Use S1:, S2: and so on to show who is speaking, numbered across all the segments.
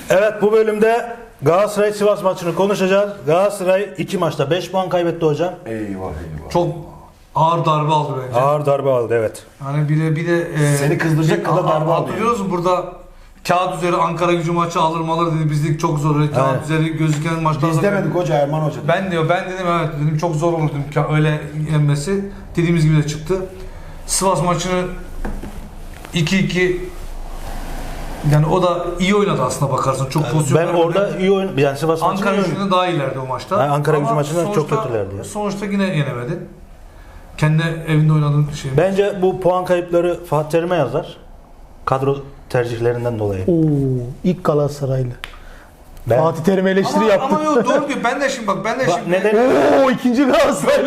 S1: Evet, bu bölümde Galatasaray Sivas maçını konuşacağız. Galatasaray 2 maçta 5 puan kaybetti hocam.
S2: Eyvah eyvah.
S3: Çok ağır darbe aldı bence.
S1: Ağır darbe aldı, evet.
S3: Hani bir de
S2: Seni kızdıracak kadar darbe aldı.
S3: hatırlıyoruz mu burada kağıt üzeri Ankara Gücü maçı alır mı alır dedi, bizlik çok zor. Öyle kağıt
S1: Evet.
S3: üzeri gözüken maçlar.
S2: Biz demedik hoca, Erman hoca.
S3: Ben dedim evet dedim, çok zor olur dedim öyle yenmesi. Dediğimiz gibi de çıktı. Sivas maçını 2-2, yani o da iyi oynadı aslında bakarsan. Çok pozisyon.
S1: Ben orada iyi oyun, yani Sivas maçını
S3: Ankara
S1: iyi oynadı.
S3: Gücü'nden daha iyilerdi o maçta.
S1: Yani Ankara Gücü
S3: Ama
S1: maçından çok
S3: sonuçta-
S1: kötülerdi ya.
S3: Sonuçta yine yenemedi. Kendi evinde oynadığın şey.
S1: Bence bu puan kayıpları Fatih Terim'e yazar. Kadro tercihlerinden dolayı.
S4: Oo, ilk Galatasaraylı.
S1: Ben,
S4: Fatih Terim eleştiri
S3: ama,
S4: yaptı.
S3: ama yok doğru diyor. Ben de şimdi
S1: neden?
S4: Oo, ikinci Galatasaraylı.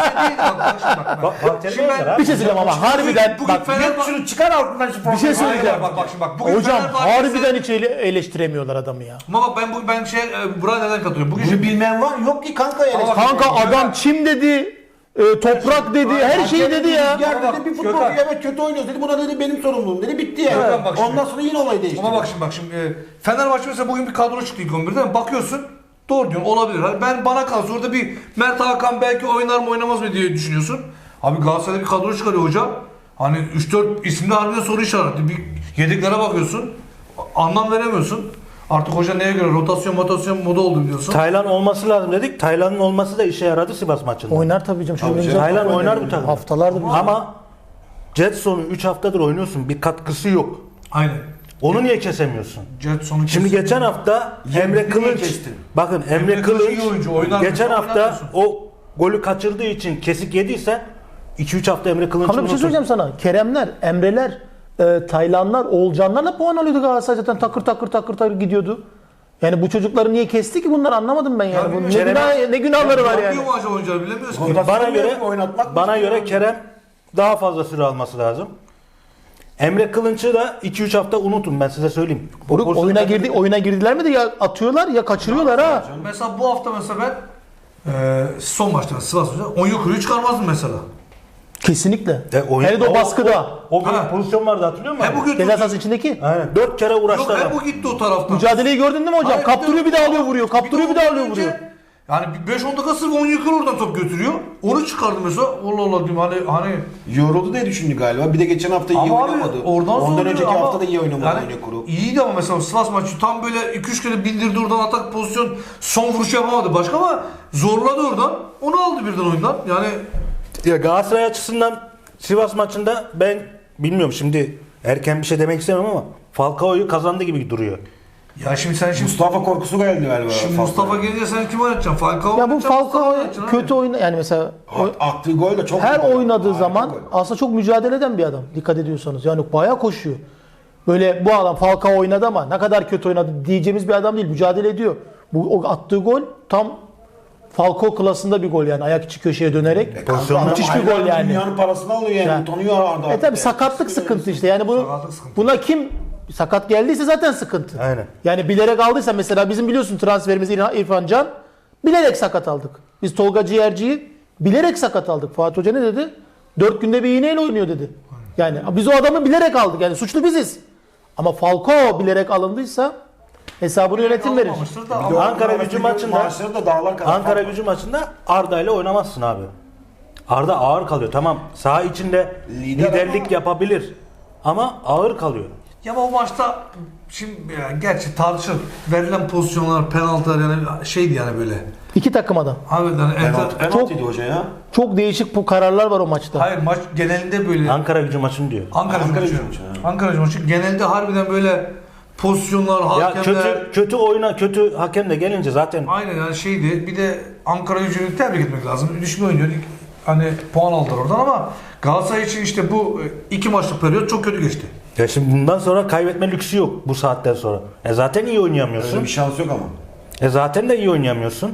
S1: Fatih Terim'e yazar abi.
S4: Bir şey söyleyeyim ama harbiden
S3: bugün
S4: bak
S3: Fenerbahçe
S2: Çıkar altından şu
S4: bir şey söyleyeceğim.
S3: bak bak bugün
S4: Hocam
S3: Fenerbahçe-
S4: harbiden hiç eleştiremiyorlar adamı ya.
S3: Ama bak ben buraya neden katılıyorum? Bugün
S2: Bunu bilmeyen var yok ki kanka yani.
S4: Kanka adam çim dedi, toprak dedi, her şeyi dedi ya.
S2: Rüzgar
S3: Ama
S2: dedi, bir
S3: bak,
S2: futbolcu
S3: Gökhan.
S2: evet kötü oynuyoruz dedi. Buna dedi benim sorumluluğum dedi. Bitti yani.
S3: Gökhan bak şimdi.
S2: Ondan sonra yine olay değişti.
S3: Ama bak şimdi Fenerbahçe mesela bugün bir kadro çıktı ilk 11'de mi? Bakıyorsun doğru diyorsun, olabilir. Hani bana kalsa orada bir Mert Hakan belki oynar mı oynamaz mı diye düşünüyorsun. Abi Galatasaray'da bir kadro çıkarıyor hoca. Hani 3-4 isimde harbiden soru işareti. Bir yedeklere bakıyorsun. Anlam veremiyorsun. Artık hoca neye göre rotasyon moda oldu biliyorsun.
S1: Taylan olması lazım dedik. Taylan'ın olması da işe yaradı Sivas maçında.
S4: Oynar tabii canım. Şöyle
S2: Tabii
S4: oynayacak.
S2: canım.
S1: Taylan oynar bu takım.
S4: Haftalardır biz-
S1: Ama Jetson'u 3 haftadır oynuyorsun. Bir katkısı yok.
S3: Aynen.
S1: Onu niye kesemiyorsun?
S3: Jetson'u
S1: Şimdi
S3: kesin.
S1: geçen hafta
S2: Emre
S1: Emre
S2: Kılıç
S1: Kılıç,
S2: kestin.
S1: bakın Emre
S3: Emre Kılıç
S1: Kılıç
S3: iyi oyuncu, oynar
S1: geçen
S3: mısın,
S1: hafta
S3: oynatıyorsun.
S1: o golü kaçırdığı için kesik yediyse 2-3 hafta Emre Kılıç'ı
S4: Hamza bir şey söyleyeceğim sana. Keremler, Emreler, Taylanlar, Oğulcanlarla puan alıyordu Galatasaray, zaten takır takır gidiyordu. Yani bu çocukları niye kesti ki bunlar, anlamadım ben yani.
S3: Ya
S4: Bu ne,
S3: bilmiyorum.
S4: ne günahları var yani.
S3: Yapıyor mu acaba oyuncular bilemiyoruz ki.
S1: Bana göre Kerem daha fazla süre alması lazım. Emre Kılıç'ı da 2-3 hafta unutun, ben size söyleyeyim. O
S4: Buruk
S1: pozisyonu-
S4: oyuna girdiler mi de ya atıyorlar ya kaçırıyorlar ha.
S3: Mesela bu hafta mesela ben son maçta Sivas Hoca Onyekuru'yu çıkarmazdım mesela.
S4: Kesinlikle.
S1: oyun-
S4: Hele de o baskıda.
S1: O bir
S3: Ha.
S1: pozisyon vardı, hatırlıyor musun?
S3: Hem
S1: abi?
S3: bu gitti.
S4: Ceza sahası içindeki.
S1: Aynen. 4 kere uğraştı
S3: Yok
S1: adam.
S3: hem bu gitti o taraftan.
S4: Mücadeleyi gördün değil mi hocam?
S3: Hayır,
S4: Kaptırıyor bir daha alıyor vuruyor. Kaptırıyor bir daha alıyor
S3: önce,
S4: vuruyor.
S3: Yani bir 5-10 dakika sırf Onyekuru oradan top götürüyor. Onu çıkardı mesela. Allah Allah diyeyim hani
S2: Yoruldu diye düşündü galiba. Bir de geçen hafta iyi
S3: ama abi
S2: oynamadı.
S3: oradan
S2: Ondan
S3: sonra
S2: önceki
S3: ama
S2: hafta da iyi oynamadı
S3: yani
S2: Onyekuru.
S3: İyiydi ama mesela Sivas maçı tam böyle 2-3 kere bindirdi oradan, atak pozisyon, son vuruş yapamadı başka ama zorladı oradan. Onu aldı birden oyundan. Yani
S1: Ya Galatasaray açısından Sivas maçında ben bilmiyorum, şimdi erken bir şey demek istemem ama Falcao'yu kazandı gibi duruyor.
S3: ya şimdi
S2: Mustafa korkusu geldi galiba.
S3: Şimdi Mustafa gelince sen kim oynatacaksın? Falcao
S4: Ya bu
S3: oynatacaksın, Mustafa
S4: Falcao
S3: oynatacaksın
S4: kötü
S3: abi.
S4: oyna yani mesela
S2: Attığı gol de çok
S4: her
S2: iyi gol.
S4: oynadığı
S2: Harika
S4: zaman
S2: gol.
S4: aslında çok mücadele eden bir adam. Dikkat ediyorsanız. Yani bayağı koşuyor. Böyle bu adam Falcao oynadı ama ne kadar kötü oynadı diyeceğimiz bir adam değil. Mücadele ediyor. Bu o attığı gol tam Falcao klasında bir gol yani. Ayak içi köşeye dönerek.
S1: Pozisyonlar
S4: Müthiş bir gol yani.
S2: Dünyanın parasını alıyor yani.
S4: Yani-
S2: Utanıyor Arda.
S4: Tabi sakatlık sıkıntı işte. Yani bunu
S3: Sakatlık sıkıntı.
S4: buna kim sakat geldiyse zaten sıkıntı.
S1: Aynen.
S4: Yani bilerek aldıysa mesela bizim biliyorsun transferimiz İrfan Can, bilerek sakat aldık. Biz Tolga Ciğerci'yi bilerek sakat aldık. Fatih Hoca ne dedi? 4 günde bir iğneyle oynuyor dedi. Yani biz o adamı bilerek aldık. Yani suçlu biziz. Ama Falcao bilerek alındıysa hesabını yönetim verir.
S3: Almamıştır da
S2: Bir de
S3: ama-
S1: Ankara
S2: arasındaki
S1: Gücü maçında-
S2: maaşları da dağlar kadar.
S1: Ankara Gücü maçında Arda ile oynamazsın abi. Arda ağır kalıyor. Tamam, saha içinde
S2: Lider
S1: liderlik
S2: ama-
S1: yapabilir ama ağır kalıyor.
S3: Ya ama o maçta şimdi yani gerçi tartışılır. Verilen pozisyonlar, penaltılar yani şeydi yani böyle.
S4: İki takıma da.
S3: Abi yani
S2: Penaltıydı hoca ya.
S4: Çok değişik bu kararlar var o maçta.
S3: hayır maç genelinde böyle
S1: Ankara Gücü maçını diyor.
S3: Ankara
S2: Ankara
S3: maçı.
S2: Gücü maçı, ha.
S3: Ankara Gücü maçı genelde harbiden böyle pozisyonlar,
S1: Ya
S3: hakemler.
S1: kötü hakem de gelince zaten
S3: Aynen yani şeydi. Bir de Ankara Gücü'nü tebrik etmek lazım. Düşme oynuyor. Hani puan aldılar oradan ama Galatasaray için işte bu 2 maçlık periyot çok kötü geçti.
S1: ya şimdi bundan sonra kaybetme lüksü yok bu saatten sonra. Zaten iyi oynayamıyorsun.
S2: Öyle bir şans yok ama.
S1: Zaten de iyi oynayamıyorsun.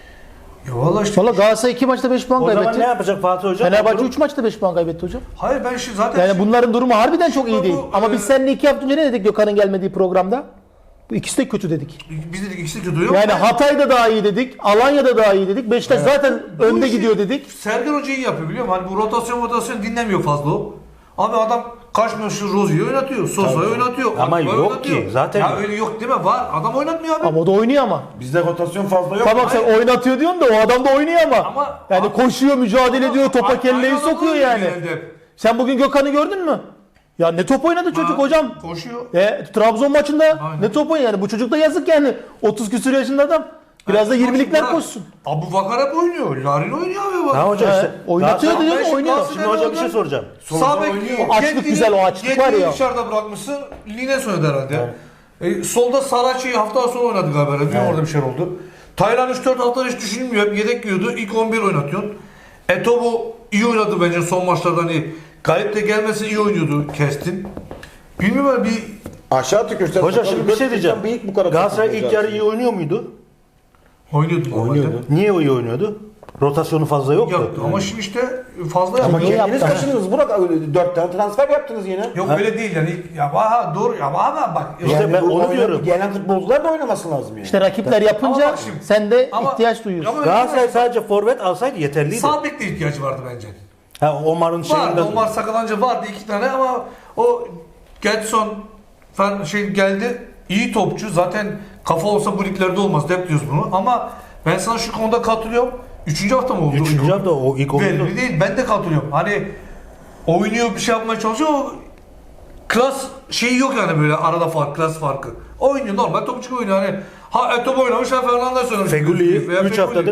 S3: Ya valla işte.
S4: Valla Galatasaray 2 maçta 5 puan
S1: O zaman
S4: kaybetti.
S1: ne yapacak Fatih Hoca?
S4: Fenerbahçe 3 maçta 5 puan kaybetti hocam.
S3: Hayır ben şimdi zaten
S4: Yani bunların durumu harbiden çok iyi
S3: Bu-
S4: değil.
S3: bu-
S4: Ama biz seninle 2 hafta önce ne dedik Gökhan'ın gelmediği programda? Bu ikisi de kötü dedik.
S3: biz dedik ikisi de kötü yok.
S4: Yani Hatay'da daha iyi dedik, Alanya'da daha iyi dedik. Beşiktaş zaten önde
S3: işi
S4: gidiyor dedik.
S3: Sergen Hoca iyi yapıyor biliyor musun? Hani bu rotasyon dinlemiyor fazla o. Abi adam Kaşmeşhur Rozi'yi oynatıyor. Sosa'yı oynatıyor.
S1: Ama
S3: Akbağ'ı
S1: yok
S3: oynatıyor.
S1: ki, zaten
S3: Ya
S1: yok.
S3: öyle yok değil mi? Var. Adam oynatmıyor abi.
S4: Ama o da oynuyor ama.
S2: Bizde rotasyon fazla yok.
S4: Tamam sen oynatıyor diyorsun da o adam da oynuyor ama.
S3: Ama-
S4: yani koşuyor, mücadele ediyor, topa
S3: Aynı
S4: kelleyi
S3: adam
S4: sokuyor
S3: oynuyor
S4: yani.
S3: genelde hep.
S4: Sen bugün Gökhan'ı gördün mü? Ya ne top oynadı çocuk
S3: Ha,
S4: hocam.
S3: Koşuyor.
S4: Trabzon maçında
S3: Aynen.
S4: ne top oynadı yani. Bu çocuk da yazık yani. 30 küsur yaşında adam. Biraz da 20'likler
S3: Bırak.
S4: koşsun.
S3: Abu Bakar hep oynuyor. Larin oynuyor abi bak.
S1: Ha hocam işte.
S4: Oynatıyor
S1: Galatasaray-
S4: diyor
S3: Ben şimdi
S4: oynuyor.
S3: Galatasaray-
S1: Şimdi hocam bir şey soracağım.
S3: Sağ bek
S2: oynuyor.
S4: O açlık güzel, o açlık var ya.
S3: dışarıda bırakmışsın. Lines oynadı herhalde. Solda Saraç'ı hafta sonra oynadı galiba. Bilmiyorum orada bir şey oldu. Taylan 3-4 hafta hiç düşünülmüyor. Hep yedek giyiyordu. İlk 11 oynatıyorsun. Etobo iyi oynadı bence son maçlarda. Hani Galip de gelmesi iyi oynuyordu. Kestin. Bilmiyorum bir
S2: Aşağı tükürsen.
S1: Hocam şimdi bir şey diyeceğim.
S2: Büyük bu kadar.
S1: Galatasaray ilk yarı iyi oynuyor muydu?
S3: oynuyordu.
S2: Oynuyordu.
S1: Niye iyi oynuyordu? Rotasyonu fazla yoktu.
S3: Yaptı. Ama şimdi işte fazla
S4: Ama
S3: yaptı.
S4: niye
S2: Kendiniz
S4: yaptı?
S2: kaçırdınız. Burak 4 tane transfer yaptınız yine.
S3: Yok öyle değil yani. Ya aha, doğru ya ama bak.
S1: İşte ben onu diyorum.
S2: Gelen futbolcular da oynaması lazım yani.
S4: İşte rakipler
S3: Ama
S4: yapınca
S3: bak şimdi-
S4: sen de
S3: Ama-
S4: ihtiyaç duyuyorsun.
S3: Ama-
S1: Galatasaray sadece forvet alsaydı yeterliydi.
S3: Sağ bekle ihtiyacı vardı bence.
S1: Ha, Omar'ın
S3: Vardı.
S1: şeyinden.
S3: Omar Sakalanca vardı 2 tane ama o Getson falan şey geldi. İyi topçu. Zaten kafa olsa bu liglerde olmaz. Hep diyoruz bunu. Ama ben sana şu konuda katılıyorum. 3. hafta mı oldu?
S1: Üçüncü hafta o ilk oyundu.
S3: Belli değil. Ben de katılıyorum. Hani oynuyor bir şey yapmaya çalışıyor. O klas şeyi yok yani böyle arada fark, klas farkı. Oynuyor normal topçu oynuyor. Hani ha Etobo oynamış ha Fernandes oynamış.
S1: Feguli'yi
S3: Veya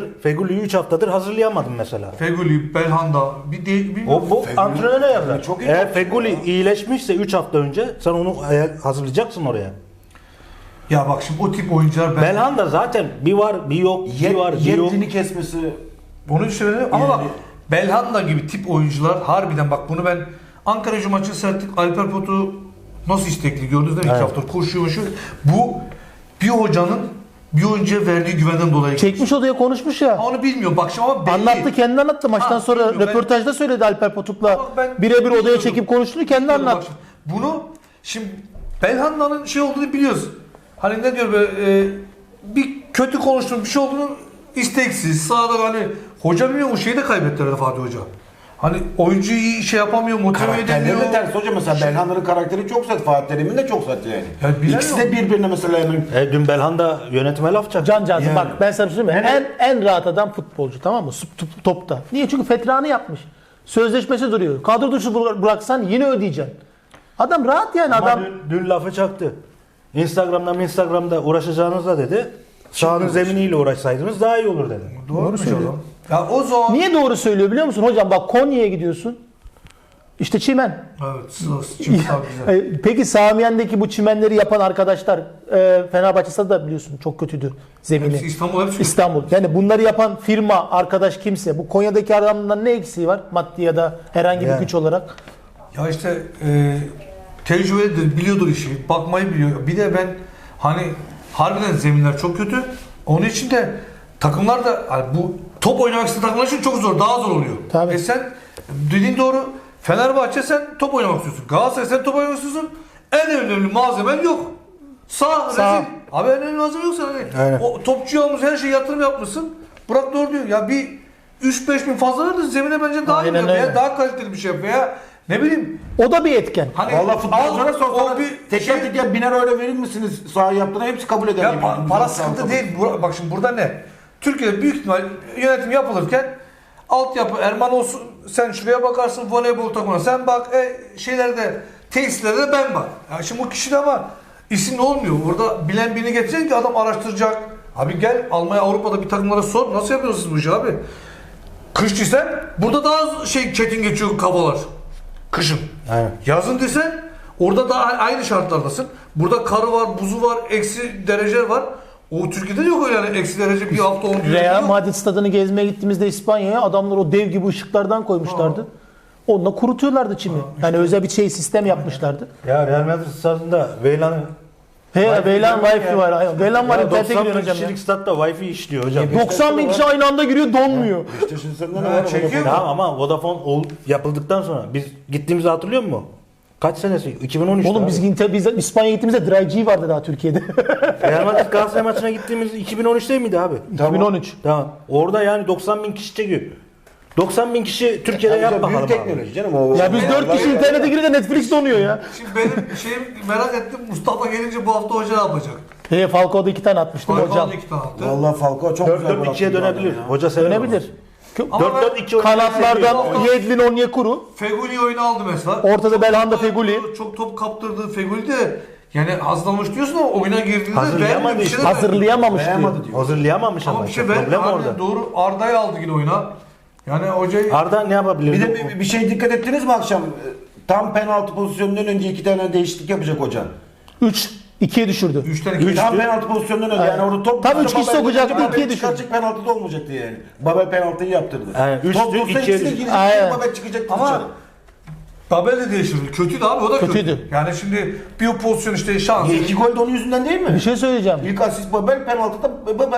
S1: 3 haftadır hazırlayamadım mesela.
S3: Feguli, Belhanda bir de bilmiyorum.
S1: O bu antrenöre yazar.
S2: çok iyi
S1: Eğer
S2: topçu
S1: Feguli iyileşmişse 3 hafta önce sen onu hazırlayacaksın oraya.
S3: Ya bak şimdi o tip oyuncular
S1: Belhanda zaten bir var bir yok, bir var bir yok.
S2: Yetini kesmesi.
S3: Onu söyleyeyim ama bak Belhanda gibi tip oyuncular harbiden bak bunu ben Ankara Gücü maçını seyrettik. Alper Potu nasıl istekli gördünüz değil mi? 2
S1: Evet.
S3: hafta koşuyor. Bu bir hocanın bir oyuncuya verdiği güvenden dolayı.
S4: Çekmiş odaya konuşmuş ya.
S3: Onu bilmiyorum bak şimdi ama belli.
S4: Anlattı, kendi anlattı. Maçtan
S3: Ha,
S4: sonra
S3: bilmiyorum,
S4: röportajda söyledi Alper Potuk'la.
S3: Ama ben
S4: Birebir odaya
S3: bilmiyordum.
S4: çekip konuştuğunu kendi
S3: Bak
S4: anlattı.
S3: şimdi, bunu şimdi Belhanda'nın şey olduğunu biliyoruz. Hani ne diyor böyle bir kötü konuştuğun bir şey olduğunu isteksiz sağda hani hoca bilmiyor o şeyi de kaybettiler Fatih Hoca. Hani oyuncuyu iyi şey yapamıyor, motive
S2: Karakterleri
S3: edemiyor.
S2: de ters hocam mesela Belhanda'nın karakteri çok sert. Fatih Terim'in de çok sert yani.
S3: Ya bilmiyorum.
S2: İkisi de birbirine mesela hemen.
S1: Dün Belhanda yönetime laf çaktı.
S4: Can Cansın
S2: Yani.
S4: bak ben sana bir şey söyleyeyim mi? En rahat adam futbolcu, tamam mı? Topta. Niye? Çünkü fetranı yapmış. Sözleşmesi duruyor. Kadro dışı bıraksan yine ödeyeceksin. Adam rahat yani
S1: Ama
S4: adam.
S1: dün lafı çaktı. Instagram'da uğraşacağınızla dedi. Sahanın zeminiyle uğraşsaydınız daha iyi olur dedi.
S3: Doğru söylüyor. Ya o zaman
S4: Niye doğru söylüyor biliyor musun? Hocam bak Konya'ya gidiyorsun. İşte çimen.
S3: evet, çünkü güzel.
S4: Peki Samiyen'deki bu çimenleri yapan arkadaşlar Fenerbahçe Stadı da biliyorsun çok kötüydü zemini.
S3: Hepsi İstanbul hepsi.
S4: İstanbul. Yani bunları yapan firma, arkadaş kimse. Bu Konya'daki adamdan ne eksiği var? Maddi ya da herhangi bir
S1: Yani.
S4: güç olarak.
S3: Ya işte tecrübelidir, biliyordur işi, bakmayı biliyor. Bir de ben hani harbiden zeminler çok kötü. Onun için de takımlar da hani bu top oynamak isteyen takımlar için çok zor, daha zor oluyor.
S4: Tabii.
S3: Sen dediğin doğru. Fenerbahçe sen top oynamak istiyorsun. Galatasaray sen top oynamak istiyorsun. En önemli malzemen yok. Sağ. Rezil. Abi en önemli malzeme yok sana.
S1: Aynen.
S3: O topçuya almış her şeyi yatırım yapmışsın. Burak doğru diyor. Ya bir 3-5 bin fazla ver de zemine bence daha iyi
S4: Aynen
S3: yap veya
S4: öyle.
S3: daha kaliteli bir şey yap veya ne bileyim.
S4: O da bir etken.
S3: Hani
S2: Valla futbolculara
S3: al,
S2: sorsalar
S3: o bir
S2: teker
S3: şey-
S2: teker 1000 euro verir misiniz sahaya yaptığına hepsi kabul eder.
S3: Ya
S2: gibi.
S3: para sıkıntı değil. Bak şimdi burada ne? Türkiye'de büyük ihtimal yönetim yapılırken altyapı Erman olsun sen şuraya bakarsın voleybol takımına sen bak şeylerde tesislerde de ben bak. Ya şimdi bu kişi de ama isim olmuyor. Orada bilen birini getireceksin ki adam araştıracak. Abi gel Almanya Avrupa'da bir takımlara sor. Nasıl yapıyorsunuz bu işi abi? Kış desen burada daha çetin geçiyor kafalar. Kışın.
S1: Aynen.
S3: Yazın desen orada da aynı şartlardasın. Burada karı var, buzu var, eksi derece var. O Türkiye'de yok öyle yani eksi derece bir hafta 10 gün.
S4: Real
S3: yok.
S4: Madrid stadını gezmeye gittiğimizde İspanya'ya adamlar o dev gibi ışıklardan koymuşlardı. Onunla kurutuyorlardı çimi. Yani özel bir sistem yapmışlardı.
S1: Ya Real Madrid stadında Veylan'ı
S4: Veylan Wi-Fi var. Aynen. Veylan var.
S1: ya
S4: İnternete
S1: 90
S4: giriyor hocam ya.
S1: kişilik statta Wi-Fi işliyor hocam.
S4: 90 bin kişi aynı anda giriyor donmuyor.
S2: İşte şimdi sende ne
S3: Ha,
S2: var?
S3: çekiyor mu?
S1: Tamam ama Vodafone yapıldıktan sonra biz gittiğimizi hatırlıyor musun? Kaç senesi? 2013'te.
S4: Oğlum biz İspanya'ya gittiğimizde Dry G vardı daha Türkiye'de.
S1: Real Madrid Galatasaray maçına gittiğimiz 2013 değil miydi abi?
S4: 2013.
S1: Tamam. Orada yani 90 bin kişi çekiyor. 90.000 kişi Türkiye'de yap bakalım
S2: Büyük
S1: abi.
S2: teknoloji canım. O,
S4: Ya biz 4 kişi internete girince Netflix donuyor ya.
S3: Şimdi benim şeyim merak ettim. Mustafa gelince bu hafta hoca ne yapacak?
S4: Falcao'da 2 tane atmıştım hocam.
S3: Falcao'da 2 tane attı.
S2: Vallahi Falcao çok güzel.
S1: 4-4-2'ye dönebilir. Hoca sever.
S4: Dönebilir.
S3: Ama
S1: 4-4-2
S4: Kanatlardan
S3: seviyor.
S4: Yedlin Onyekuru.
S3: Feguli oyunu aldı mesela.
S4: Ortada
S3: Çok
S4: Belhanda
S3: top-
S4: Feguli.
S3: Çok top kaptırdı Feguli de. Yani hazırlamış diyorsun ama oyuna girdiğinde
S1: Hazırlayamadı
S3: beğenmiyor, bir
S1: işte.
S3: şey de
S4: Hazırlayamamış diyor.
S2: Beğenmedi diyor.
S1: Hazırlayamamış
S3: Ama
S1: ama.
S3: bir şey
S1: işte, problem
S3: ben
S1: orada.
S3: doğru Arda'yı aldı yine oyuna. Yani hocayı
S1: Arda ne yapabilir?
S2: Bir de bir şey dikkat ettiniz mi akşam? Tam penaltı pozisyonundan önce 2 tane değişiklik yapacak hoca.
S4: 3-2'ye düşürdü.
S3: 3'ten 2
S2: Tam penaltı pozisyonundan önce yani orada top
S4: Tam üç kişi
S2: Babel
S4: sokacaktı,
S2: Babel
S4: ikiye düşürdü.
S2: çıkaracak, penaltı da olmayacaktı yani. Babel penaltıyı yaptırdı.
S1: Yani üçtü,
S2: Top dursa
S1: ikiye
S2: ikisi de
S1: düştü.
S2: girecek,
S4: Aynen.
S2: Babel çıkacaktı
S3: Ama
S2: dışarı.
S3: Babel de değiştirdi. Kötüydü abi o da
S4: Kötüydü.
S3: kötü. Yani şimdi bir pozisyon işte şans.
S2: 2 gol de onun yüzünden değil mi?
S4: Bir şey söyleyeceğim.
S2: İlk asist Babel, penaltıda Babel.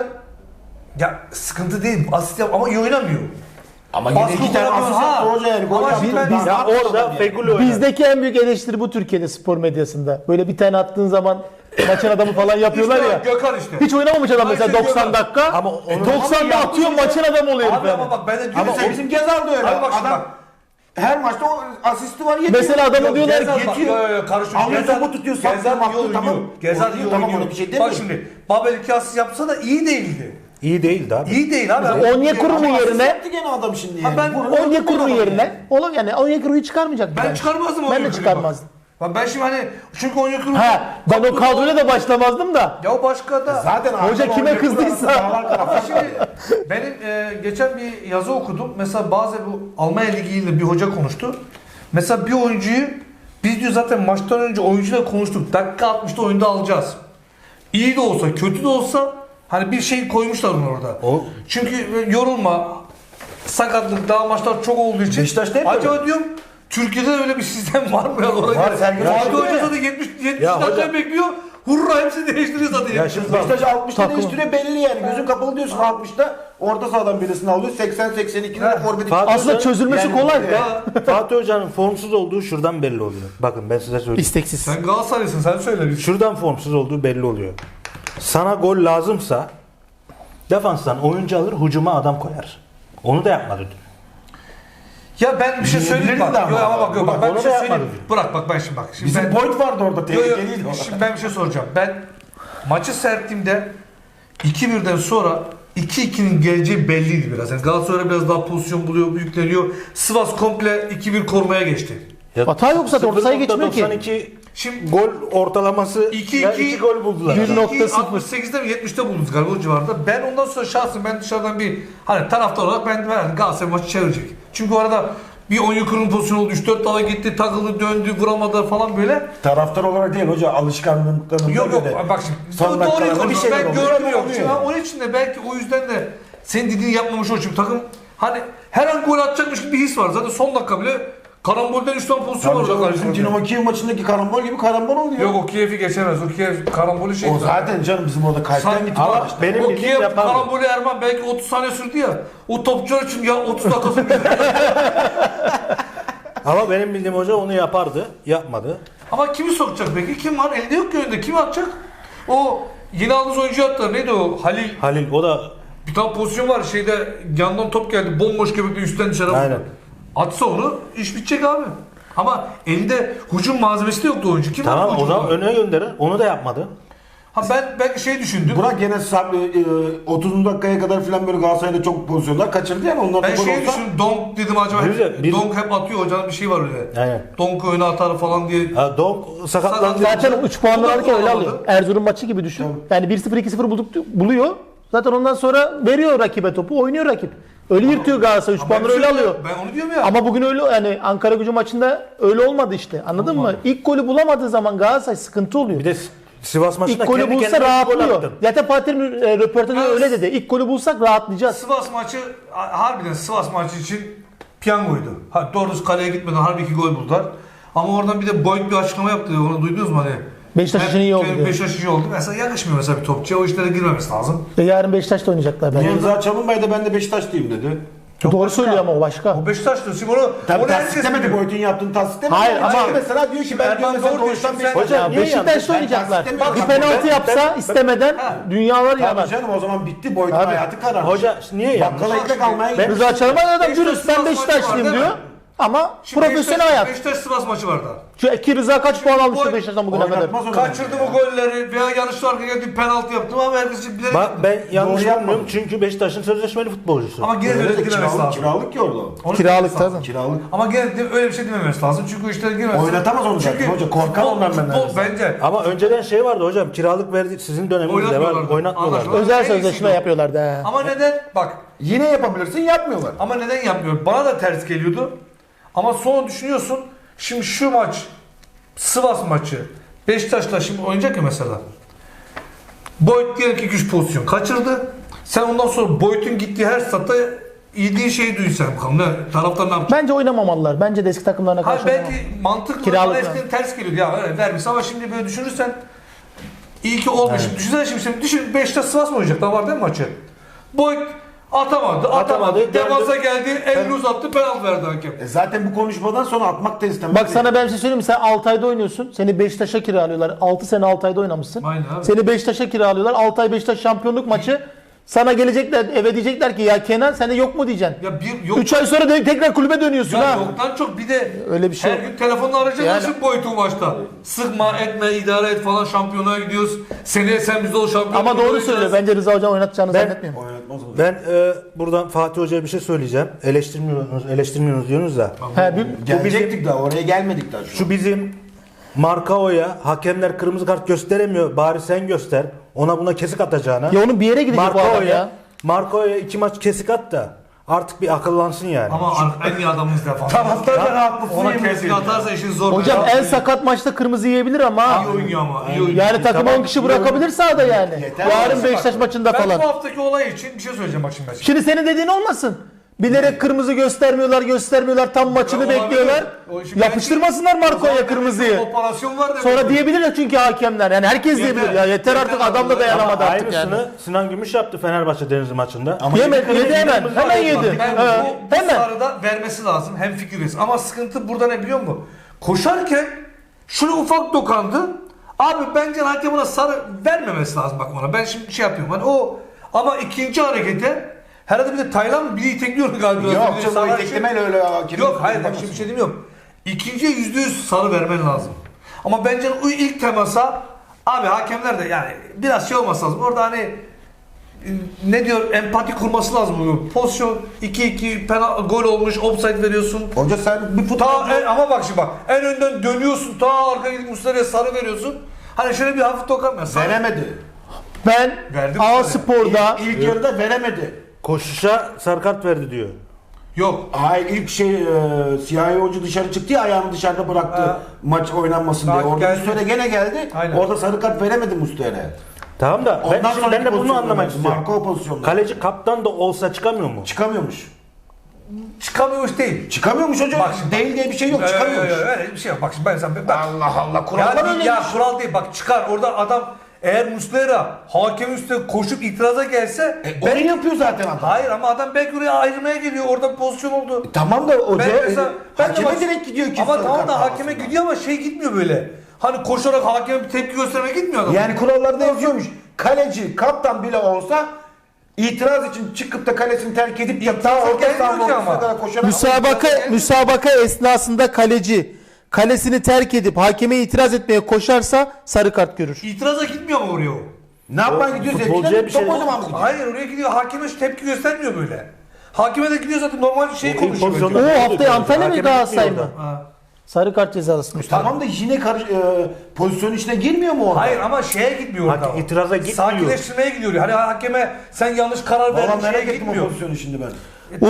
S3: Ya sıkıntı değil. Asist yap ama iyi oynamıyor.
S2: Ama yine
S3: Baskı
S2: 2 tane
S3: kuramıyor.
S2: asist yaptı hoca yani. Gol
S3: Ama
S2: yaptı.
S3: şimdi ben-
S2: Daha ne
S1: Ya
S2: yapacak
S1: orada
S2: adam yani?
S1: Feguli oynar.
S4: Bizdeki en büyük eleştiri bu Türkiye'de spor medyasında. Böyle bir tane attığın zaman maçın adamı falan yapıyorlar
S3: İşte
S4: ya.
S3: Gökhan işte.
S4: Hiç oynamamış adam
S3: Ayşe
S4: mesela 90
S3: Gökhan.
S4: dakika.
S1: Ama onu-
S4: 90'da atıyor maçın adamı oluyor
S3: Abi
S4: herif
S3: ama
S4: yani.
S3: bak ben de diyorum
S2: Ama
S3: sen
S2: bizim Gezal da öyle.
S3: Abi bak şimdi
S2: Adam
S3: bak.
S2: her maçta o asisti var yetiyor.
S4: Mesela adamın diyorlar ki
S2: yetiyor.
S3: Karışıyor.
S2: Alıyor topu tutuyor,
S3: Gezal
S2: saklıyor,
S3: iyi
S2: maklıyor,
S3: oynuyor.
S2: tamam.
S3: Gezal iyi
S2: Oynuyor, tamam,
S3: oynuyor.
S2: ona bir şey
S3: Bak
S2: demiyorum.
S3: şimdi Babel 2 asist yapsa da iyi değildi.
S1: İyi değildi abi.
S3: İyi değil abi.
S4: Onyekuru'nun
S2: Ama asist
S4: yerine
S2: yaptı gene adam şimdi yani.
S3: ben
S2: Vurdu,
S4: Onyekuru'nun
S2: adam
S4: yerine oğlum yani Onyekuru'yu çıkarmayacak.
S3: Ben çıkarmazdım
S4: Ben de
S3: Onyekuru'yu
S4: çıkarmazdım.
S3: Bak ben şimdi hani çünkü Onyekuru...
S4: Ha ben o kadroyla da başlamazdım da.
S3: Ya o başka da.
S2: Zaten
S4: Hoca
S2: Arda
S4: kime
S2: Onyekuru
S4: kızdıysa.
S2: arasında dağlar kadar
S3: Ama
S2: fark var.
S3: şimdi benim geçen bir yazı okudum. Mesela bazı bu Almanya Ligi'yle bir hoca konuştu. Mesela bir oyuncuyu biz diyor zaten maçtan önce oyuncuyla konuştuk. Dakika 60'da oyunda alacağız. İyi de olsa kötü de olsa hani bir şey koymuşlar onu orada.
S1: O-
S3: Çünkü yorulma, sakatlık, daha maçlar çok olduğu için.
S2: Beşiktaş'ta hep
S3: acaba diyorum Türkiye'de de öyle bir sistem var mı ya?
S2: Var, Sergen
S3: Fatih
S2: Hoca
S3: Hoca
S2: ya.
S3: zaten 70
S1: Ya
S3: dakika
S1: hoca-
S3: bekliyor. Hurra hepsini değiştiriyor zaten.
S1: Ya şimdi bak,
S2: Beşiktaş 60'ta
S4: Takım.
S2: değiştiriyor belli yani. Gözün kapalı diyorsun 60'ta. Orta sahadan birisini alıyor. 80-82'de forveti.
S1: Fatih
S4: Aslında
S1: Hoca-
S4: çözülmesi
S2: yani-
S4: kolay.
S3: Ya,
S1: Fatih Hoca'nın formsuz olduğu şuradan belli oluyor. Bakın ben size söyleyeyim.
S4: İsteksiz.
S3: sen Galatasaraylısın sen söyle.
S1: Şuradan formsuz olduğu belli oluyor. Sana gol lazımsa defanstan oyuncu alır, hücuma adam koyar. Onu da yapmadı dün.
S3: Ya ben bir şey söyleyeyim bak.
S2: Diyebilirdi ama.
S3: Yok ama bak yok bak ben
S1: Onu
S3: bir
S1: da
S3: şey
S1: yapmadı
S3: söyleyeyim.
S1: diyor.
S3: Bırak bak ben şimdi bak. Şimdi
S2: Bizim
S3: ben,
S2: point vardı orada.
S3: Yo, yo,
S2: Tehlikeliydi o.
S3: şimdi ben bir şey soracağım. Ben maçı seyrettiğimde 2-1'den sonra 2-2'nin geleceği belliydi biraz. Yani Galatasaray biraz daha pozisyon buluyor, yükleniyor. Sivas komple 2-1 korumaya geçti.
S1: Ya
S4: Hata yok zaten, orta sahaya geçmiyor ki.
S1: 0.92
S3: Şimdi
S1: gol ortalaması
S3: 2-2
S1: 2 gol buldular.
S4: 1.0.
S3: 68'de mi 70'te buldunuz galiba o civarda. Ben ondan sonra şahsen ben dışarıdan bir hani taraftar olarak ben Galatasaray maçı çevirecek. Çünkü o arada bir Onyekuru'nun pozisyonu oldu. 3-4 dala gitti, takıldı, döndü, vuramadı falan böyle.
S2: Taraftar olarak değil hoca alışkanlıklarından
S3: Yok yok
S2: böyle.
S3: bak şimdi
S2: Son
S3: doğru
S2: dakikalarda bir
S3: konuşuyorum.
S2: şeyler
S3: Ben
S2: oluyor,
S3: gördüm yok.
S2: oluyor
S3: Şimdi
S2: yani.
S3: onun için de belki o yüzden de senin dediğini yapmamış o çünkü takım hani her an gol atacakmış gibi bir his var. Zaten son dakika bile karambolden 3 tane pozisyon var
S2: Tabii
S3: orada
S2: canım, bizim
S3: karşısında.
S2: Dinamo Kiev maçındaki karambol gibi karambol oluyor.
S3: Yok o Kiev'i geçemez. O Kiev karambolü şey.
S2: O zaten canım bizim orada kalpten
S3: Sen-
S2: gitti.
S1: Ama
S2: bak işte.
S1: benim
S3: o
S1: bildiğim
S3: Kiev
S1: yapardı.
S3: karambolü Erman belki 30 saniye sürdü ya. O topçular için ya 30 dakikası
S1: Ama benim bildiğim hoca onu yapardı. Yapmadı.
S3: Ama kimi sokacak peki? Kim var? Elde yok ki önünde. Kim atacak? O yeni aldığınız oyuncu attı. Neydi o? Halil.
S1: Halil o da
S3: Bir tane pozisyon var şeyde yandan top geldi. Bomboş göbekle üstten dışarı vurdu.
S1: Aynen.
S3: Atsa onu iş bitecek abi. Ama elinde hücum malzemesi de yoktu oyuncu. Kim var
S1: tamam o
S3: hücumda?
S1: zaman öne gönderir. Onu da yapmadı.
S3: Ha ben belki şey düşündüm.
S2: Burak gene 30 dakikaya kadar falan böyle Galatasaray'da çok pozisyonlar kaçırdı yani onlar da
S3: Ben
S2: gol
S3: şey
S2: olsa.
S3: düşündüm. Donk dedim acaba.
S1: Bir-
S3: Donk hep atıyor hocanın bir şey var öyle.
S1: Aynen.
S3: Donk öne atar falan diye.
S1: Ha, Donk sakatlandı.
S3: Sakat-
S4: Zaten 3 puanları alırken öyle
S3: Olamadı.
S4: alıyor. Erzurum maçı gibi düşün. Yani 1-0 2-0 buluyor. Zaten ondan sonra veriyor rakibe topu, oynuyor rakip. Öyle yırtıyor Galatasaray 3
S3: Ben
S4: puanları
S3: bir
S4: öyle
S3: şey
S4: alıyor.
S3: diyorum, Ben onu diyorum ya.
S4: Ama bugün öyle yani Ankaragücü maçında öyle olmadı işte. Anladın mı? İlk golü bulamadığı zaman Galatasaray sıkıntı oluyor.
S1: Bir de Sivas maçında
S4: İlk golü
S1: kendi
S4: bulsa
S1: kendine gol
S4: rahatlıyor.
S1: attı.
S4: Zaten Fatih'in röportajında
S3: Evet.
S4: öyle dedi. İlk golü bulsak rahatlayacağız.
S3: Sivas maçı harbiden Sivas maçı için piyangoydu. Ha, doğrusu kaleye gitmeden harbi 2 gol buldular. Ama oradan bir de Boyd bir açıklama yaptı. Onu duydunuz mu hani?
S4: Beşiktaş için iyi oldu diyor.
S3: Beşiktaş için iyi oldu. Mesela yakışmıyor mesela bir topçuya. O işlere girmemesi lazım.
S4: Yarın Beşiktaş'ta oynayacaklar bence.
S2: Rıza Çalınbay da ben de Beşiktaşlıyım dedi.
S3: Çok
S4: Doğru
S3: başka.
S4: söylüyor ama o başka.
S3: O Beşiktaş diyor. Şimdi onu
S2: Tabii
S3: herkes
S2: tasdiklemedi.
S3: biliyor.
S2: Boyut'un yaptığını tasdiklemedi.
S4: Hayır, ama-
S2: mesela diyor ki ben
S3: Erman
S2: diyor mesela
S3: doğru diyor.
S2: doğuştan
S3: Şimdi
S2: bir
S3: sen-
S1: Hocam,
S4: Ya
S1: niye
S4: Beşiktaş'ta
S2: yanlış?
S4: oynayacaklar.
S2: Ben
S4: Bir
S2: tasdiklemiyorum.
S4: penaltı yapsa istemeden dünyalar yanar.
S2: Tabii canım o zaman bitti. Boyut'un
S4: Abi,
S2: hayatı kararmış.
S1: Hoca niye yanlış?
S2: Bakkala ekmek almaya
S1: Ben-
S2: gidiyor.
S4: Rıza Çalınbay adam
S3: Beşiktaş
S4: dürüst ben
S3: Sivas maçı var,
S4: Beşiktaşlıyım
S3: değil
S4: diyor.
S3: mi?
S4: Ama
S3: Şimdi
S4: profesyonel hayat.
S3: Beşiktaş Sivas maçı vardı.
S4: Ki Rıza kaç puan almıştı
S3: Boy-
S4: Beşiktaş'tan bugüne kadar?
S2: Oynatmaz onu.
S3: Kaçırdı bu golleri veya yanlışlı arka geldi penaltı yaptım ama herkes bilerek
S1: Bak
S3: yaptı.
S1: ben yanlış
S2: Doğru yapmadım.
S1: bilmiyorum çünkü Beşiktaş'ın sözleşmeli futbolcusu.
S3: Ama gene
S2: Öyle
S3: öyle
S2: de
S3: girmemesi
S2: kiralık,
S3: lazım.
S2: kiralık ki orada.
S3: Onu
S4: Kiralık
S3: demesi lazım.
S4: tabii.
S2: Kiralık.
S3: Ama gene de öyle bir şey dememesi lazım. Çünkü işte girmez.
S2: Oynatamaz onu zaten hoca. Korkar ondan ben
S3: Futbol
S2: neredeyse.
S3: bence.
S1: Ama önceden şey vardı hocam, kiralık verdi, sizin döneminizde var,
S3: Oynatmıyorlardı.
S1: oynatmıyorlardı.
S3: Anlaşılan.
S4: Özel
S3: En
S4: sözleşme
S3: iyisi o.
S4: yapıyorlardı. he.
S3: Ama neden? Bak.
S2: Yine yapabilirsin yapmıyorlar.
S3: Ama neden yapmıyor? Bana da ters geliyordu. Ama sonra düşünüyorsun. Şimdi şu maç Sivas maçı Beşiktaş'la şimdi oynayacak ya mesela. Boyd diyelim ki güç pozisyon kaçırdı. Sen ondan sonra Boyd'un gittiği her statta yediği şeyi duysan bakalım. Ne, taraftar ne yapacak?
S4: Bence oynamamalılar. Bence de eski takımlarına
S3: Hayır
S4: karşı
S3: belki
S4: oynamamalı.
S3: mantıklı
S4: Kiralık
S3: bana eskiden ters geliyordu ya öyle vermiş ama şimdi böyle düşünürsen iyi ki olmuş. Şimdi düşünsene şimdi düşün Beşiktaş Sivas mı oynayacak? Daha var değil mi maçı? Boyd atamadı. Defansa geldi, elini uzattı, penaltı verdi hakem.
S2: Zaten bu konuşmadan sonra atmak da istemez.
S4: Bak sana ben bir şey söyleyeyim mi? Sen Altay'da oynuyorsun. Seni Beşiktaş'a kiralıyorlar. 6 sene Altay'da oynamışsın.
S3: Aynen abi.
S4: Seni Beşiktaş'a kiralıyorlar. Altay Beşiktaş şampiyonluk maçı. Sana gelecekler eve diyecekler ki ya Kenan sende yok mu diyeceksin.
S3: Ya bir yok
S4: 3 ay sonra tekrar kulübe dönüyorsun
S3: ya
S4: ha.
S3: yoktan çok bir de
S4: Öyle bir şey
S3: her
S4: yok.
S3: gün telefonla arayacak
S4: Yani-
S3: nasıl Boyd'un maçta. Sıkma etme idare et falan şampiyonluğa gidiyoruz. Seneye sen bizde ol şampiyon.
S4: Ama doğru
S3: olacağız.
S4: söylüyor. Bence Rıza Hocam oynatacağını zannetmiyorum.
S2: Oynatmaz onu.
S1: Ben buradan Fatih Hoca'ya bir şey söyleyeceğim. Eleştirmiyorsunuz diyorsunuz da.
S4: He,
S2: Gelecektik daha oraya gelmedik daha şu an.
S1: Şu bizim Markao'ya hakemler kırmızı kart gösteremiyor. Bari sen göster. Ona buna kesik atacağına.
S4: Ya onun bir yere gidecek bu adam ya.
S1: Markao'ya 2 maç kesik at da artık bir akıllansın yani.
S3: Ama en iyi adamımız defans.
S2: Taraftar da rahatlısın.
S3: Ona
S2: yemin
S3: kesin
S2: ediyorum.
S3: atarsa işin zor.
S4: Hocam
S3: Ben-
S4: en sakat maçta kırmızı yiyebilir ama
S3: iyi oynuyor ama. iyi oynuyor.
S4: yani takım 10 kişi bırakabilir sahada yani.
S2: Yeter.
S4: Yarın Beşiktaş maçında
S3: Ben
S4: falan.
S3: bu haftaki olay için bir şey söyleyeceğim bak şimdi.
S4: Şimdi senin dediğin olmasın. Bilerek kırmızı göstermiyorlar tam maçını
S3: Olabilir.
S4: bekliyorlar.
S3: O şimdi
S4: Yapıştırmasınlar
S3: O zaman
S4: Marco'ya
S3: demek ki
S4: kırmızıyı.
S3: Operasyon var demek.
S4: Sonra diyebilirler çünkü hakemler. Yani herkes diyebilir. Ya yeter artık
S3: Yeter
S4: adam da
S3: artık.
S4: dayanamadı artık
S1: Aynısını
S4: yani.
S1: Sinan Gümüş yaptı Fenerbahçe Denizli maçında.
S4: Yedi hemen yedi.
S3: Ben
S4: Ha,
S3: bu
S4: hemen.
S3: sarıda vermesi lazım. Hem fikiriz. Ama sıkıntı burada ne biliyor musun? Koşarken şunu ufak dokandı. Abi bence hakem ona sarı vermemesi lazım bak ona. Ben şimdi şey yapıyorum. Hani o ama ikinci harekete herhalde bir de Taylan biri itekliyor galiba.
S2: Yok
S3: Bir de
S2: canım o
S3: sarı-
S2: iteklemeyle öyle hakemin.
S3: Yok hayır bak şimdi bir şey demiyorum. İkinciye %100 sarı vermen lazım. Ama bence o ilk temasa abi hakemler de yani biraz şey olması lazım. Orada hani ne diyor empati kurması lazım. Pozisyon 2-2 gol olmuş offside veriyorsun.
S2: Hoca sen bir futbol...
S3: Ama bak şimdi bak en önden dönüyorsun ta arka gidip Muslera'ya sarı veriyorsun. Hani şöyle bir hafif dokan
S2: Veremedi.
S4: Ben
S3: Verdim
S4: A
S3: sana.
S4: Spor'da
S2: İlk yarıda veremedi.
S1: Koşuşa sarı kart verdi diyor.
S3: Yok.
S2: Hayır ilk siyahi oyuncu dışarı çıktı ya ayağını dışarıda bıraktı
S3: Ha.
S2: maç oynanmasın diye.
S3: Bak,
S2: Orada
S3: geldi.
S2: Muslera gene geldi.
S3: Aynen.
S2: Orada sarı kart veremedi Muslera'ya.
S1: Tamam da
S2: Ondan
S1: ben
S2: sonraki
S1: de bunu
S2: pozisyonda
S1: anlamak
S2: verdi.
S1: istiyorum.
S2: Marco pozisyonda.
S1: Kaleci kaptan da olsa çıkamıyor mu?
S2: Çıkamıyormuş.
S3: Çıkamıyormuş değil.
S2: Çıkamıyormuş hocam.
S3: Bak şimdi,
S2: Değil diye bir şey yok. Çıkamıyormuş.
S3: Öyle bir şey yok. Bak şimdi ben sana
S2: Allah Allah. Kurallar
S3: ya,
S2: öyle.
S3: ya kural değil bak çıkar orada adam eğer Muslera hakemin üstüne koşup itiraza gelse
S2: Onu yapıyor zaten adam.
S3: hayır ama adam belki oraya ayrılmaya geliyor orada bir pozisyon oldu.
S2: Tamam da hoca
S3: Ben de
S2: hakeme
S3: bak-
S2: direkt gidiyor ki.
S3: Ama
S2: sarı
S3: tamam
S2: kart
S3: da hakeme
S2: davasında.
S3: gidiyor ama şey gitmiyor böyle. Hani koşarak hakeme bir tepki göstermeye gitmiyor adam.
S2: Yani kurallarda yazıyormuş. Kaleci, kaptan bile olsa itiraz için çıkıp da kalesini terk edip de ta orta
S3: gelmiyor
S2: sahanın
S3: ki
S2: ortasına
S3: ama.
S2: kadar koşarak...
S4: müsabaka esnasında kaleci kalesini terk edip hakeme itiraz etmeye koşarsa sarı kart görür.
S3: İtiraza gitmiyor mu oraya o?
S2: Ne yapmaya gidiyor?
S1: futbolcuya
S2: Zevkine
S1: bir şey-
S2: top oynamaya mı gidiyor?
S3: Hayır oraya gidiyor hakeme şu tepki göstermiyor böyle. Hakeme de gidiyor zaten normal şey
S1: O
S3: konuşuyor.
S1: pozisyonda-
S3: bence.
S4: O haftaya Antalya mı
S1: Hakeme
S4: Galatasaray
S1: gitmiyor
S4: mı?
S3: Ha.
S4: Sarı kart cezası.
S2: Tamam da yine pozisyonun içine girmiyor mu orada?
S3: Hayır ama şeye gitmiyor orada.
S1: itiraza gitmiyor.
S3: Sakinleştirmeye gidiyor. Hani hakeme sen yanlış karar
S2: Valla
S3: verdin şeye
S2: merak ettim o
S3: gitmiyor.
S2: pozisyonu şimdi ben.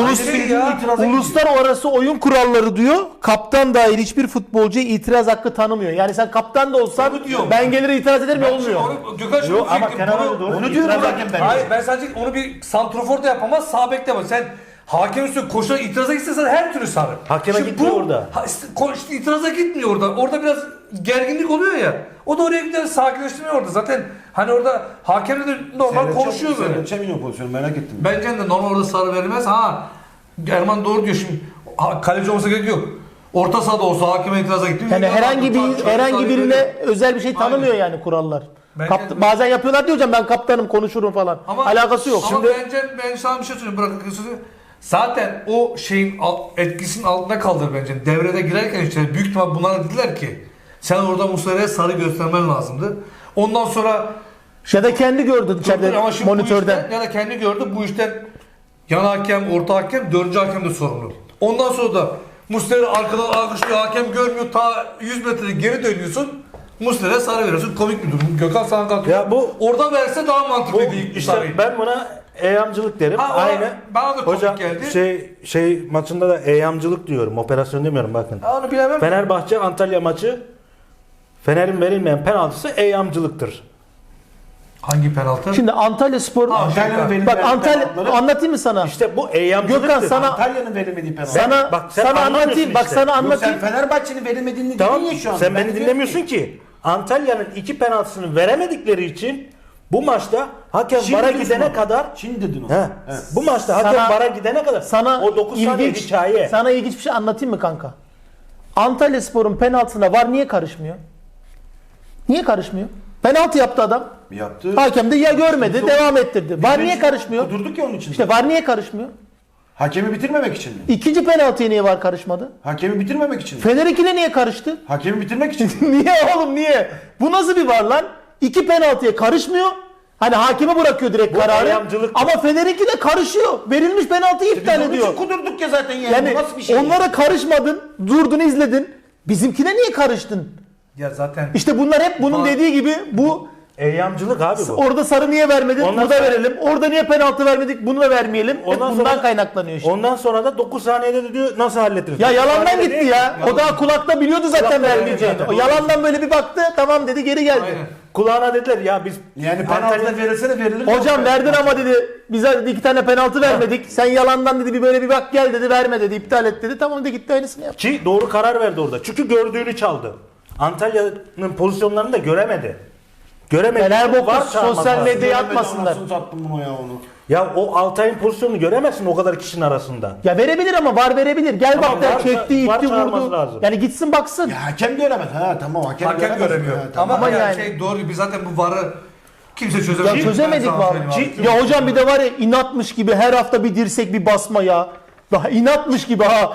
S4: Uluslararası oyun kuralları diyor. Kaptan dahil hiçbir futbolcuya itiraz hakkı tanımıyor. Yani sen kaptan da olsan
S3: Onu diyorum.
S4: ben gelir itiraz ederim ya olmuyor.
S3: Gökhan şunu
S1: Yok, ama
S3: diyecektim.
S1: Kenan
S3: Bunu-
S1: abi doğru.
S2: Onu diyorum zaten ben.
S3: Hayır ben sadece onu bir santrofor da yapamaz, sağ bek de yapamaz. Sen hakem üstüne koşarak itiraza gitsen her türlü sarı.
S1: Hakeme gitmiyor orada.
S3: İşte itiraza gitmiyor orada. Orada biraz gerginlik oluyor ya. O da oraya gider sakinleştirmiyor orada. Zaten hani orada hakemle de normal konuşuyor böyle.
S2: Seyredeceğim yine o pozisyonu merak ettim.
S3: Bence de normal orada sarı verilmez. Ha Erman doğru diyor şimdi. Kaleci olmasa gerek yok. Orta sahada olsa hakeme itiraza gitti.
S4: Yani herhangi birine özel bir şey tanımıyor
S3: Aynen.
S4: yani kurallar.
S3: Bence-
S4: Bazen yapıyorlar diyor hocam, ben kaptanım konuşurum falan. Alakası yok.
S3: Ama
S4: Şimdi
S3: ben sana bir şey söyleyeyim, bırakın sözü. Zaten o şeyin etkisinin altında kaldı bence. Devrede girerken işte büyük ihtimal bunlara dediler ki sen orada Muslera'ya sarı göstermen lazımdı. Ondan sonra
S4: ya da kendi gördü içeride
S3: ama şimdi bu
S4: monitörden.
S3: işten, ya da kendi gördü bu işten yan hakem, orta hakem, dördüncü hakem de sorumlu. Ondan sonra da Muslera arkadan alkışlıyor, hakem görmüyor, ta 100 metre geri dönüyorsun. Muslera'ya sarı veriyorsun. Komik bir durum. Gökhan sana kalkıyor.
S1: Ya bu-
S3: orada verse daha
S1: Bu
S3: mantıklı değil.
S1: işte ben buna eyamcılık derim.
S3: Ha, ona-
S1: Aynı.
S3: bana da komik
S1: Hocam
S3: geldi.
S1: şey maçında da eyamcılık diyorum. Operasyon demiyorum bakın.
S3: Onu bilemem.
S1: Fenerbahçe Antalya maçı, Fener'in verilmeyen penaltısı eyamcılıktır.
S3: Hangi penaltı?
S4: Şimdi Antalya Spor,
S2: Antalya'nın verilmeyen
S4: bak Antalya
S2: penaltıları-
S4: anlatayım mı sana?
S1: İşte bu eyamcılıktır.
S4: Gökhan sana
S2: Antalya'nın verilmediği penaltı.
S4: sana
S1: bak sen
S4: sana
S1: anlamıyorsun
S4: anlatayım. Bak
S1: işte.
S4: sana
S2: Yok, sen
S4: anlatayım.
S2: Fenerbahçe'nin verilmediğini
S1: Tamam,
S2: dedin ya şu an.
S1: sen
S2: Ben
S1: beni
S2: diyorum
S1: dinlemiyorsun ki. Antalya'nın 2 penaltısını veremedikleri için bu maçta hakem
S2: Şimdi
S1: VAR'a
S2: dedin
S1: gidene
S2: onu.
S1: kadar
S2: Şimdi dedin onu.
S1: he,
S2: Evet.
S1: bu maçta hakem
S4: Sana-
S1: VAR'a gidene kadar
S4: Sana
S1: o 9 saniye
S4: ilginç,
S1: hikaye.
S4: sana ilginç bir şey anlatayım mı kanka? Antalya Spor'un penaltısına VAR niye karışmıyor? Niye karışmıyor? Penaltı yaptı adam.
S2: Yaptı.
S4: Hakem de ya görmedi, devam ettirdi. VAR niye karışmıyor?
S2: Durduk ya onun için.
S4: İşte VAR niye karışmıyor?
S2: Hakemi bitirmemek için mi?
S4: İkinci penaltıya niye VAR karışmadı?
S2: Hakemi bitirmemek için mi?
S4: Fener 2'de niye karıştı?
S2: Hakemi bitirmek için mi?
S4: Niye oğlum niye? Bu nasıl bir VAR lan? 2 penaltıya karışmıyor. Hani hakeme bırakıyor direkt
S1: Bu
S4: kararı.
S1: ayamcılık.
S4: Ama Fener 2'de karışıyor. Verilmiş penaltıyı
S2: Biz
S4: iptal
S2: onun
S4: ediyor.
S2: için kudurduk ya zaten yani.
S4: Yani
S2: Bu nasıl bir şey?
S4: onlara karışmadın, durdun izledin. Bizimkine niye karıştın?
S3: Ya zaten
S4: İşte bunlar hep bunun
S3: VAR-
S4: dediği gibi bu
S1: Eyamcılık abi bu.
S4: orada sarı niye vermedin?
S1: Ondan
S4: Burada
S1: sonra-
S4: verelim. Orada niye penaltı vermedik? Bunu da vermeyelim. Hep
S1: Ondan
S4: bundan
S1: sonra-
S4: kaynaklanıyor işte.
S1: Ondan sonra da 9 saniyede de diyor nasıl hallettiniz?
S4: Ya
S1: 9
S4: yalandan
S1: saniyede
S4: gitti
S1: değil.
S4: ya. O daha kulakta biliyordu zaten
S1: Kulakta
S4: vermeyeceğini.
S1: biliyordu
S4: O
S1: zaten.
S4: yalandan böyle bir baktı. Tamam dedi, geri geldi.
S3: aynen.
S1: Kulağına dediler ya biz
S2: Yani penaltı verilse de verilir.
S4: Hocam verdin ama dedi bize dedi 2 tane penaltı vermedik. Sen yalandan dedi bir böyle bir bak gel dedi, verme dedi, iptal et dedi. Tamam dedi, gitti aynısını yaptı.
S1: Ki doğru karar verdi orada. Çünkü gördüğünü çaldı. Antalya'nın pozisyonlarını da göremedi. Göremedi.
S4: Fenerbahçe
S1: Var çağırması
S4: sosyal
S1: lazım.
S4: medyaya atmasınlar.
S2: Nasıl sattım bunu ya onu?
S1: Ya o Altay'ın pozisyonunu göremezsin o kadar kişinin arasında.
S4: Ya verebilir ama VAR verebilir. Gel
S1: Tamam,
S4: bak der,
S1: var-
S4: çekti,
S1: var
S4: itti,
S1: çağırması
S4: vurdu.
S1: lazım.
S4: Yani gitsin baksın.
S2: Ya hakem göremez. Ha tamam hakem,
S3: Hakem
S2: göremez.
S3: göremiyor.
S2: Ha, tamam.
S3: Ama
S4: Ama
S3: yani
S4: yani-
S3: şey doğru, biz zaten bu VAR'ı kimse çözemedi.
S4: Ya
S3: Ben
S4: çözemedik
S3: sana
S4: vallahi.
S3: söyleyeyim abi.
S4: Ya hocam bir de var ya inatmış gibi her hafta bir dirsek bir basma ya. Daha inatmış gibi ha.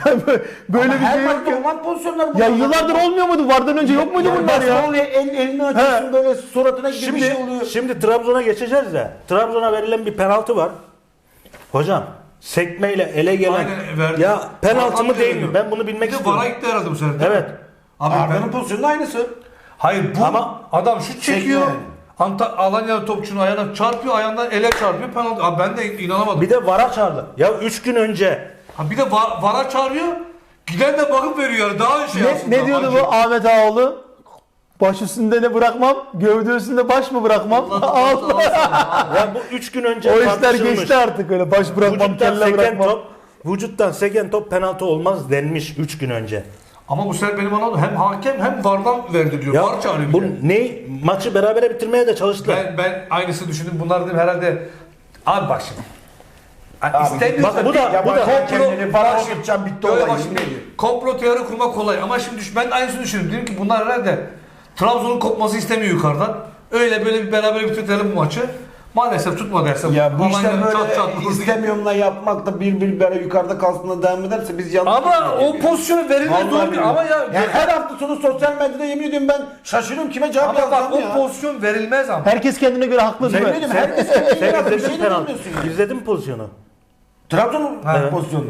S4: Böyle
S2: Ama
S4: bir
S2: her
S4: şey yok
S2: maçta
S4: ya.
S2: olan pozisyonlar bu.
S4: Ya yıllardır olmuyor muydu? Vardan önce yok muydu bunlar ya?
S2: Oluyor, elini açıyorsun böyle suratına gibi bir şey oluyor.
S1: Şimdi Trabzon'a geçeceğiz de. Trabzon'a verilen bir penaltı var. Hocam sekmeyle ele gelen
S3: Aynen, verdi.
S1: ya penaltı mı
S3: Vallahi
S1: değil mi?
S3: veriyor.
S1: Ben bunu bilmek
S3: Bir de
S1: istiyorum.
S3: VAR'a gitti herhalde bu sefer. değil mi?
S1: Evet.
S3: Abi
S2: Arda'nın pozisyonu aynısı.
S3: hayır bu
S1: Ama-
S3: adam şut çekiyor.
S2: yani.
S3: Alanya'da topçunun ayağına çarpıyor, ayağından ele çarpıyor, penaltı. Abi ben de inanamadım.
S1: Bir de VAR'a çağırdı. Ya 3 gün önce
S3: Ha bir de VAR'a çağırıyor. Giden de bakıp veriyor yani. Daha şey aslında.
S4: Ne diyordu
S3: Acı.
S4: bu Ahmet Ağaoğlu? Baş üstünde ne bırakmam, gövde üstünde baş mı bırakmam? Allah.
S1: ya bu 3 gün önce
S4: O işler
S1: tartışılmış.
S4: geçti artık öyle. Baş bırakmam,
S1: Vücuttan
S4: kelle
S1: seken
S4: bırakmam.
S1: top, vücuttan seken top penaltı olmaz denmiş 3 gün önce.
S3: Ama bu sefer benim anladığım hem hakem hem VAR'dan verdi diyor. VAR çağırıyor.
S1: bu
S3: bir de.
S1: ne maçı berabere bitirmeye de çalıştılar.
S3: Ben aynısını düşündüm. Bunlar dedim herhalde. Abi bak şimdi. İstemiyorsan
S1: bak bu da-
S2: Ya
S1: bu da-
S2: kendini bana oturtacağım bitti
S3: Öyle
S2: olay.
S3: bak şimdi komplo teori kurmak kolay ama şimdi ben de aynısını düşündüm. Dedim ki bunlar herhalde Trabzon'un kopması istemiyor yukarıdan. Öyle böyle bir beraber bitirelim bu maçı. Maalesef tutma derse.
S2: Ya bu işler
S3: Alanya
S2: böyle
S3: vurdu.
S2: istemiyorumla yapmak da bir böyle yukarıda kalsın devam ederse biz yanlış
S3: Ama
S2: yapıyoruz
S3: o
S2: gibi.
S3: pozisyonu verilmez
S2: Vallahi
S3: doğru değil.
S2: billahi.
S3: Ama ya,
S2: Yani her hafta sonu sosyal medyada yemin ediyorum ben şaşırıyorum kime cevap
S3: ama bak
S2: yazacağım
S3: o
S2: ya.
S3: pozisyon verilmez ama.
S4: Herkes kendine göre haklı değil
S2: Sen
S4: mi?
S2: benim herkes kendini
S1: Sen
S2: yapıyor, bir
S1: izledin
S2: şey
S1: penaltı.
S2: demiyorsun ya.
S1: İzledin mi pozisyonu?
S2: Trabzon'un
S1: Evet.
S2: pozisyonunu.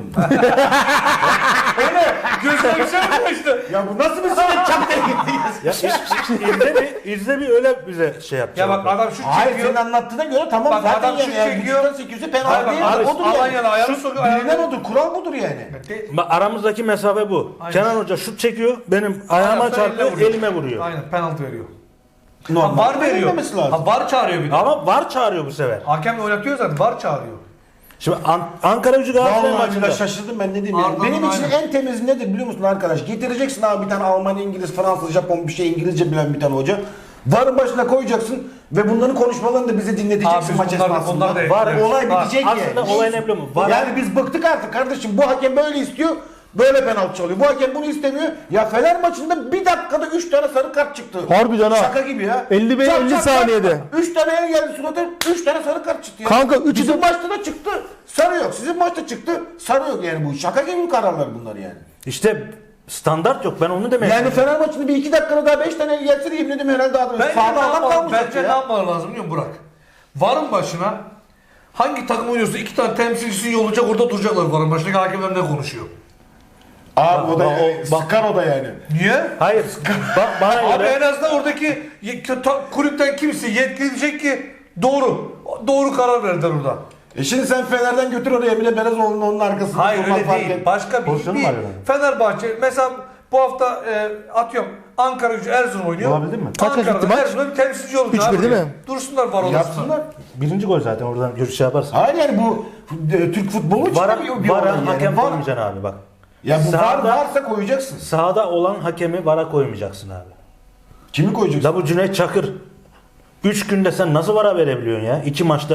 S3: Gözüme bir şey yapmıştı.
S2: Ya bu nasıl bir süreç çap diye gitti
S1: Ya izle bir öyle bize şey
S3: Ya
S1: yapacak.
S3: bak adam şut
S2: Hayır
S3: çekiyor.
S2: senin anlattığına göre tamam
S3: Bak,
S2: zaten
S3: adam
S2: yani.
S3: şut
S2: Yani
S3: çekiyor.
S2: 800'ü penaltı
S3: Hayır, bak,
S2: değil.
S3: abi,
S2: Odur yani.
S3: Alanya'da ayağını sokuyor.
S2: Bilinen odur. Kural budur yani.
S1: Aramızdaki mesafe bu.
S3: Aynen.
S1: Kenan Hoca şut çekiyor, benim ayağıma
S3: Aynen,
S1: çarpıyor,
S3: vuruyor.
S1: elime vuruyor.
S3: Aynen penaltı veriyor. Ha,
S2: Normal.
S3: VAR veriyor.
S2: Verilmemesi lazım.
S3: Ha, VAR çağırıyor bir de.
S1: Ama VAR çağırıyor bu sefer.
S3: Hakem de oynatıyor zaten. VAR çağırıyor.
S1: Şimdi Ankara Gücü Galatasaray
S2: Vallahi
S1: maçında.
S2: billahi şaşırdım ben ne diyeyim yani.
S3: Arda'nın
S2: Benim için
S3: aynen.
S2: en temiz nedir biliyor musun arkadaş? Getireceksin abi bir tane Alman, İngiliz, Fransız, Japon bir şey İngilizce bilen bir tane hoca. Varın başına koyacaksın ve bunların konuşmalarını da bize dinleteceksin
S3: Abi
S2: maç
S3: bunlar da-
S2: esnasında.
S3: bunlar da-
S2: Var,
S3: evet.
S2: olay
S3: Var.
S2: bitecek
S1: Aslında
S2: yani.
S1: olayın emblemi var.
S2: Yani biz bıktık artık kardeşim. Bu hakem böyle istiyor. Böyle penaltı çalıyor. Bu hakem bunu istemiyor. Ya Fener maçında bir dakikada 3 tane sarı kart çıktı.
S4: Harbiden ha.
S2: Şaka gibi ya.
S4: 50 saniyede.
S2: 3 tane el geldi surata. 3 tane sarı kart çıktı ya.
S4: Kanka, üçü
S2: Bizim
S4: de-
S2: maçta da çıktı. Sarı yok. Sizin maçta çıktı. Sarı yok yani bu. Şaka gibi kararlar bunlar yani.
S1: İşte standart yok. Ben onu demek
S2: Yani Fener maçında bir 2 dakikada daha 5 tane el gelse de yemin ediyorum herhalde adam.
S3: Bence
S2: Sağda
S3: ne
S2: adam
S3: yapmalı,
S2: kalmayacak
S3: bence ne
S2: ya.
S3: yapmaları lazım biliyor musun Burak? Varın başına hangi takım oynuyorsa 2 tane temsilcisini yollayacak orada duracaklar varın başındaki hakemler ne konuşuyor?
S2: Abi o da
S1: bak-
S2: sıkar o da yani.
S3: Niye?
S1: Hayır. Bana
S3: Abi
S1: göre
S3: en azından oradaki kulüpten kimse yetkili diyecek ki doğru karar verdiler orada.
S2: Şimdi sen Fener'den götür oraya Emre Belezoğlu'nun onun arkasında.
S3: Hayır
S2: durmak
S3: öyle
S2: fark
S3: değil.
S2: et.
S3: Başka bir
S1: Pozisyonu var yani.
S3: Fenerbahçe mesela bu hafta atıyorum Ankara Gücü Erzurum oynuyor.
S1: Olabilir mi?
S4: Kaç
S3: Ankara'da
S4: gitti maç?
S3: Erzurum'da bir temsilci olacak
S4: 3-1
S3: abi.
S4: değil mi?
S3: Dursunlar var odasında.
S2: Yapsınlar.
S1: birinci gol zaten oradan görüş yaparsın.
S2: Hayır yani bu Türk futbolu için
S1: Vara,
S2: de bir olay
S1: vara
S2: yani.
S1: hakem
S2: Var.
S1: koymayacaksın abi bak.
S2: Ya bu var
S1: Sahada-
S2: varsa koyacaksın.
S1: Sahada olan hakemi vara koymayacaksın abi.
S2: Kimi koyacaksın?
S1: La bu Cüneyt Çakır 3 günde sen nasıl vara verebiliyorsun ya? 2 maçta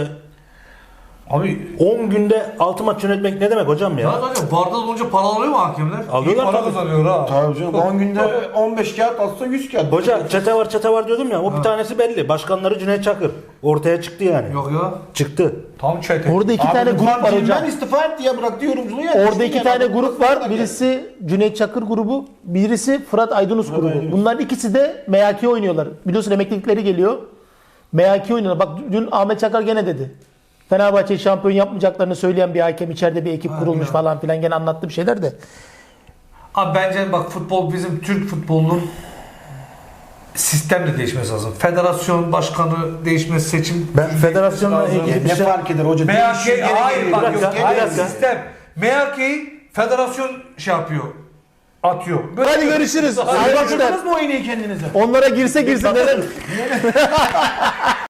S3: Abi
S1: 10 günde 6 maç yönetmek ne demek hocam ya?
S3: ya zaten varda olunca para alıyor mu hakemler?
S1: Alıyorlar
S3: İyi para
S1: tabii.
S3: kazanıyor ha.
S2: Tabii canım 10 günde 15 kağıt atsa 100 kağıt.
S1: Hoca çete var diyordum ya, o bir tanesi belli. Başkanları Cüneyt Çakır. Ortaya çıktı yani.
S3: Yok ya.
S1: Çıktı.
S3: Tam çete.
S4: Orada 2 tane grup var hocam.
S2: Ben istifa etti ya bıraktı yorumculuğu ya.
S4: Orada 2 tane grup var. Birisi Cüneyt Çakır grubu, birisi Fırat Aydınus grubu.
S2: Aydınus.
S4: Bunların ikisi de MHK oynuyorlar. Biliyorsun emeklilikleri geliyor. MHK oynuyorlar. Bak dün Ahmet Çakar gene dedi. Fenerbahçe'yi şampiyon yapmayacaklarını söyleyen bir hakem, içeride bir ekip kurulmuş
S3: ya.
S4: falan filan, gene anlattı bir şeyler de.
S3: Abi bence bak futbol bizim Türk futbolunun sistem de değişmesi lazım. Federasyon başkanı değişmesi, seçim
S1: Ben federasyonla
S3: lazım.
S1: ilgili bir
S2: Ne
S1: şey...
S2: fark eder hoca? Değişiyor,
S3: MHK
S2: gene
S3: hayır
S2: geliyor.
S3: bak
S1: Bir
S3: yok
S1: dakika,
S3: hayır
S1: bir dakika.
S3: sistem. MHK'yi federasyon şey yapıyor. Atıyor.
S4: Hadi görüşürüz.
S2: Siz
S4: Arkadaşlar
S2: bakırdınız mı o iğneyi kendinize?
S4: onlara girse girsin neler